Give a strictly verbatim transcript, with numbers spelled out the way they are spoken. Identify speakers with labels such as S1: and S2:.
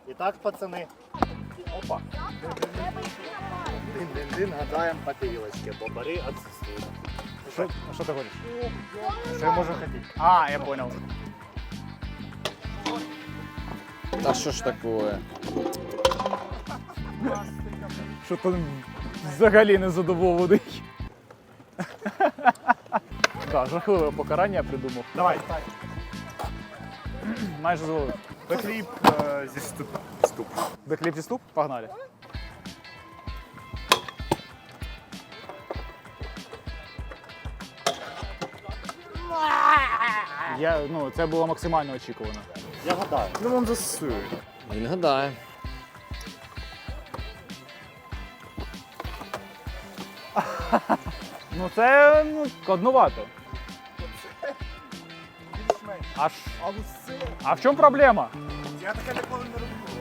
S1: І так, пацани. Опа. Дин-дин-дин, гадаємо по тарілочці, бо бари відсутствують.
S2: Що, що ти хочеш? Що я можу хотіти? А, я понял.
S3: Та що ж такое?
S2: Що то взагалі не задоволений. Так, жахливе покарання я придумав.
S1: Давай.
S2: Майже зловив.
S1: Бекліп е, зі ступ. Ступ.
S2: Бекліп зі ступ? Погнали. Я, ну, це було максимально очікувано.
S1: Я гадаю.
S3: Ну вон засує. Він гадає.
S2: Ну це ну, складнувато. А, ж-
S1: Але це...
S2: а в чому проблема?
S1: Я таке ніколи не